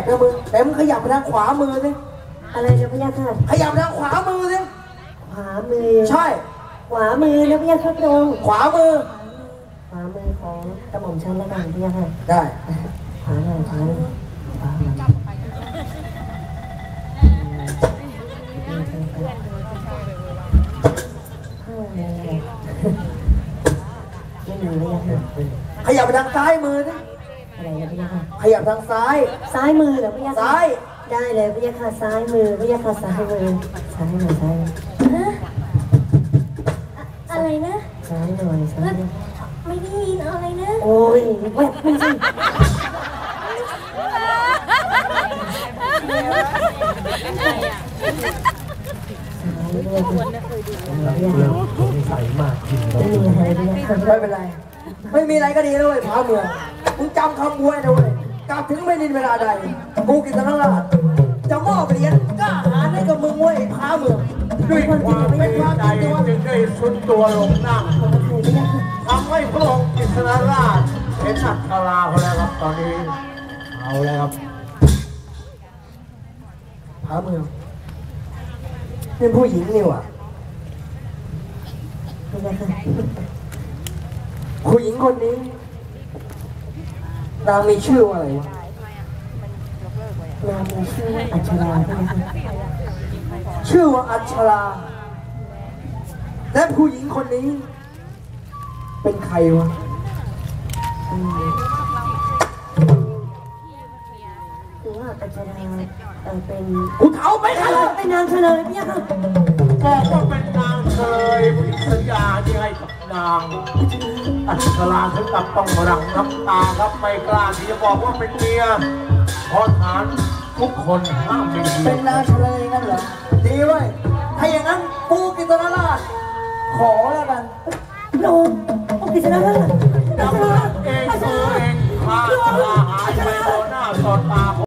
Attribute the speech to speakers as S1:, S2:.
S1: นะมึงแต่มึงขยับไปทางขวามือสิ
S2: อะไรนะพี่ยาค่ะ
S1: ขยับไปทางขวามือสิ
S2: ขวามือ
S1: ใช่
S2: ขวามือนะพี่ยาค่ะตรง
S1: ขวามือ
S2: ขวามือของกระหม่อมฉันแล้วกันพี่ยาค่ะ
S1: ได้
S2: ขวาหน่อยขวาหน่อยขวาหน่อยไม่มีพี่ยาค่ะ
S1: ขยับไปทางซ้ายมือสิ
S2: อะไรนะพี่ยาค่ะ
S1: ขยับทางซ้าย
S2: ซ้ายมือเหรอพี่ยาค่ะ
S1: ซ้าย
S2: ได้เลยพี่ยาค่ะซ้ายมือพี่ยาค่ะซ้ายมือซ้ายหน่อยซ้าย
S3: อะไรนะ
S2: ซ้ายหน่อยซ้าย
S3: ไม่ได้ยินอะไรนะ
S2: โอ้ยแวบไม่ใช่
S4: ใส่มากจริง
S2: ไม่มีอะไรเลย
S1: ไม่เป็นไรไม่มีอะไรก็ดีแล้วเว้ยพาเมืองมึงจำคำบวยนะเว้ยกลับถึงไม่นินเวลาใดกูกินตะลัดจะมอบเหรียญกล้าหาญให้กับมึงเว้ยพาเมือง
S4: ด้วยความเป็นใจจึงได้สุดตัวลงนั่งทำให้พระองค์กิษณราชเห็นอัคราเขาแล้วครับตอนนี้เอาแล้วครับ
S1: พาเมืองเป็นผู้หญิงนี่ว่ะผู้หญิงคนนี้นางมีชื่อว่าอะไรวะ
S2: นางมีชื่ออัชราใช่ไหมคะ
S1: ชื่อว่าอัชราและผู้หญิงคนนี้เป็นใครวะ
S2: คือว่าอัชราเป็น
S1: กูเท้าไปค่ะ
S2: เป็นนางเฉลยพี่ค่ะ
S4: บอกว่าเป็นนางเฉลยผิดสัญญาที่ให้กับนางอัชราถึงกับต้องหลั่งน้ำตาครับไม่กล้าที่จะบอกว่าเป็นเมียเพราะฐานทุกคนห้ามเป็น
S1: นางเฉลยงั้นเหรอดีเว้ยถ้าอย่างนั้น